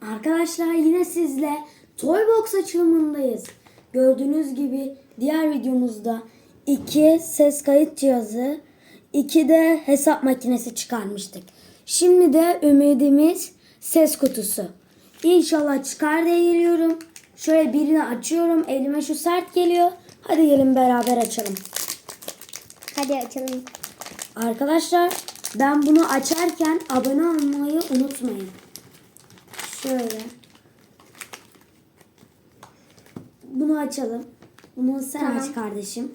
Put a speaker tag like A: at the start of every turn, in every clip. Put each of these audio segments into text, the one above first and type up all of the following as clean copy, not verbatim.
A: Arkadaşlar yine sizle Toybox açılımındayız. Gördüğünüz gibi diğer videomuzda 2 ses kayıt cihazı, 2 de hesap makinesi çıkarmıştık. Şimdi de ümidimiz ses kutusu. İnşallah çıkar diye geliyorum. Şöyle birini açıyorum. Elime şu sert geliyor. Hadi gelin beraber açalım.
B: Hadi açalım.
A: Arkadaşlar ben bunu açarken abone olmayı unutmayın. Şöyle. Bunu açalım. Bunu sen
B: Tamam.
A: aç kardeşim.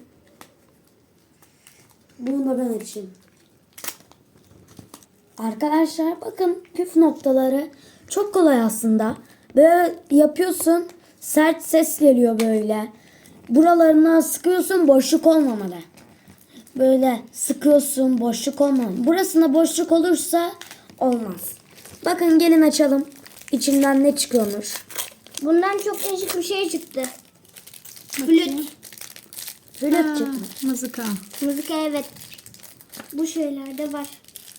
A: Bunu da ben açayım. Arkadaşlar bakın püf noktaları çok kolay aslında. Böyle yapıyorsun, sert ses geliyor böyle. Buralarına sıkıyorsun, boşluk olmamalı. Böyle sıkıyorsun, boşluk olmamalı. Burasında boşluk olursa olmaz. Bakın gelin açalım. İçinden ne çıkıyormuş.
B: Bundan çok değişik bir şey çıktı. Flüt.
A: Flüt çıkmış.
C: Mızıka.
B: Müzik, evet. Bu şeylerde var.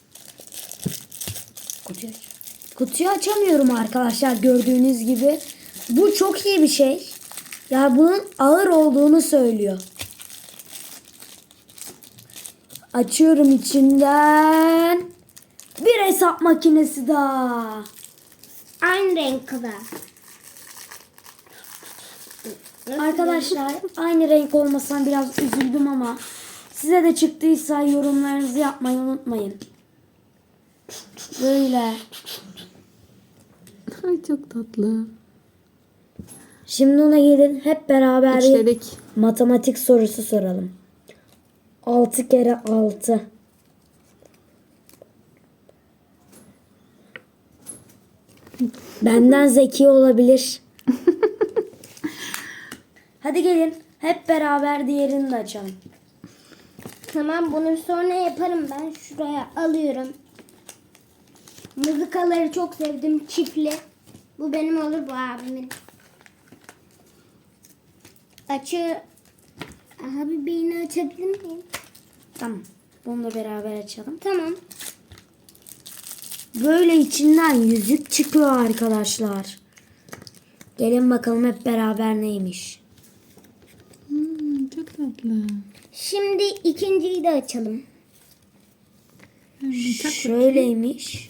A: Kutuyu açamıyorum arkadaşlar gördüğünüz gibi. Bu çok iyi bir şey. Ya bunun ağır olduğunu söylüyor. Açıyorum içinden. Bir hesap makinesi daha.
B: Aynı renk kadar.
A: Arkadaşlar aynı renk olmasına biraz üzüldüm ama size de çıktıysa yorumlarınızı yapmayı unutmayın. Böyle.
C: Ay çok tatlı.
A: Şimdi ona gelin hep beraber bir
C: İçledik.
A: matematik sorusu soralım. 6 kere 6. Benden zeki olabilir. Hadi gelin hep beraber diğerini de açalım.
B: Tamam, bunu sonra yaparım ben. Şuraya alıyorum. Mızıkaları çok sevdim. Çiftli. Bu benim olur, bu abimin. Abi beyni açabilir miyim?
A: Tamam. Bunu da beraber açalım.
B: Tamam.
A: Böyle içinden yüzük çıkıyor arkadaşlar. Gelin bakalım hep beraber neymiş.
C: Çok tatlı.
B: Şimdi ikinciyi de açalım.
A: Şöyleymiş.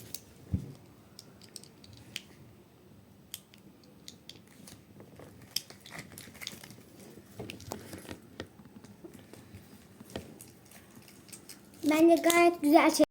B: Bence gayet güzel şey.